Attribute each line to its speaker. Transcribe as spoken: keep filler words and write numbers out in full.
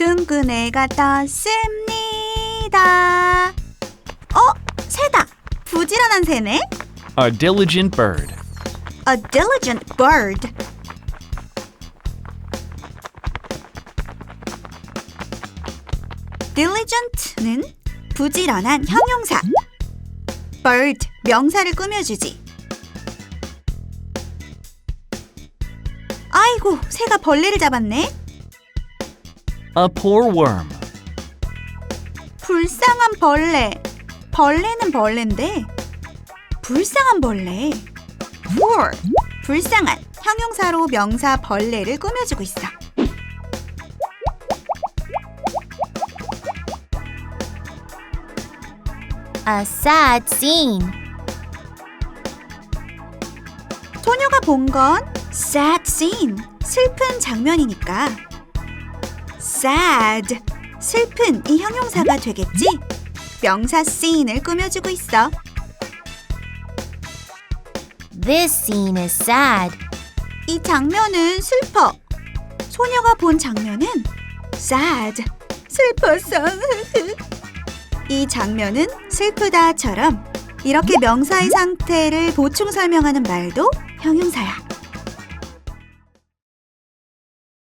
Speaker 1: 둥근 애가 떴습니다. 어? 새다. 부지런한 새네.
Speaker 2: A diligent bird.
Speaker 1: A diligent bird. diligent는 부지런한 형용사. bird, 명사를 꾸며주지. 아이고, 새가 벌레를 잡았네.
Speaker 2: A poor worm.
Speaker 1: 불쌍한 벌레. 벌레는 벌레인데 불쌍한 벌레. poor, 불쌍한 형용사로 명사 벌레를 꾸며주고 있어.
Speaker 3: A sad scene.
Speaker 1: 소녀가 본 건 sad scene, 슬픈 장면이니까 sad, 슬픈 이 형용사가 되겠지? 명사 scene을 꾸며주고 있어.
Speaker 3: This scene is sad.
Speaker 1: 이 장면은 슬퍼. 소녀가 본 장면은 sad, 슬펐어. 이 장면은 슬프다처럼 이렇게 명사의 상태를 보충 설명하는 말도 형용사야.